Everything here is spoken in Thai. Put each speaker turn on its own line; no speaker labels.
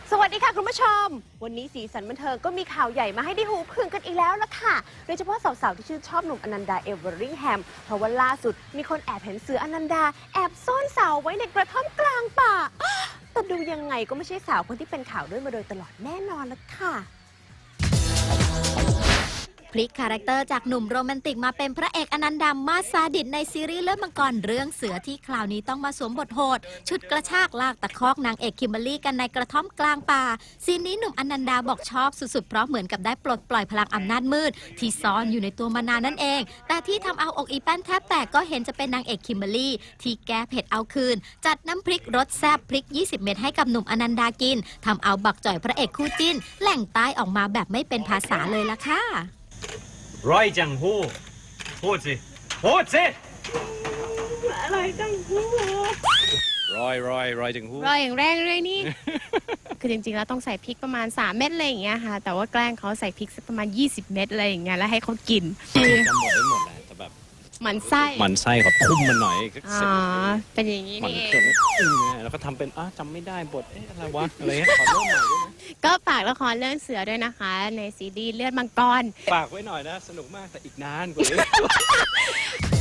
สวัสดีค่ะคุณผู้ชมวันนี้สีสันบันเทิงก็มีข่าวใหญ่มาให้ได้หูพึ่งกันอีกแล้วล่ะค่ะโดยเฉพาะสาวๆที่ชื่นชอบหนุ่มอนันดาเอเวอริงแฮมเพราะว่าล่าสุดมีคนแอบเห็นเสืออนันดาแอบซ่อนสาวไว้ในกระท่อมกลางป่าแต่ดูยังไงก็ไม่ใช่สาวคนที่เป็นข่าวด้วยมาโดยตลอดแน่นอนละค่ะ
พลิกคาแรคเตอร์จากหนุ่มโรแมนติกมาเป็นพระเอกอนันดามาซาดิสในซีรีส์เลือดมังกรเรื่องเสือที่คราวนี้ต้องมาสวมบทโหดชุดกระชากลากตะคอกนางเอกคิมเบอรรี่กันในกระท่อมกลางป่าซีนนี้หนุ่มอนันดาบอกชอบสุดๆเพราะเหมือนกับได้ปลดปล่อยพลังอำนาจมืดที่ซ่อนอยู่ในตัวมานานนั่นเองแต่ที่ทำเอาอกอีแป้นแทบแตกก็เห็นจะเป็นนางเอกคิมเบอรรี่ที่แก้เผ็ดเอาคืนจัดน้ำพริกรสแซ่บพริก20 เม็ดให้กับหนุ่มอนันดากินทำเอาบักจ่อยพระเอกคู่จิ้นแหล่งใต้ออกมาแบบไม่เป็นภาษาเลยล่ะค่ะ
ร้อยจังหูพูดสิพูดสิ
อะไรจังหู
ร้อยจังหู
รอยอย่างแรงเลยนี่ คือจริงๆแล้วต้องใส่พริกประมาณ3 เม็ดอะไรอย่างเงี้ยค่ะแต่ว่าแกล้งเขาใส่พริกสักประมาณ20 เม็ดอะไรอย่างเงี้ยแล้วให้เขากิน
จำหมดได้หมดแหละแต่แบบ
หมันไส้
มันไส้ขอทุ่มมันหน่อยก็
อ๋อเป็นอย่างนี้นี่เอง
แล้วก็ทำเป็นจำไม่ได้บทอะไรวะอะไรเงี้ยขอเริ่มใหม่ได้ไหม
ก็ฝากละครเรื่องเสือด้วยนะคะในซีรีส์เลือดมังกร
ฝากไว้หน่อยนะสนุกมากแต่อีกนานกว่านี้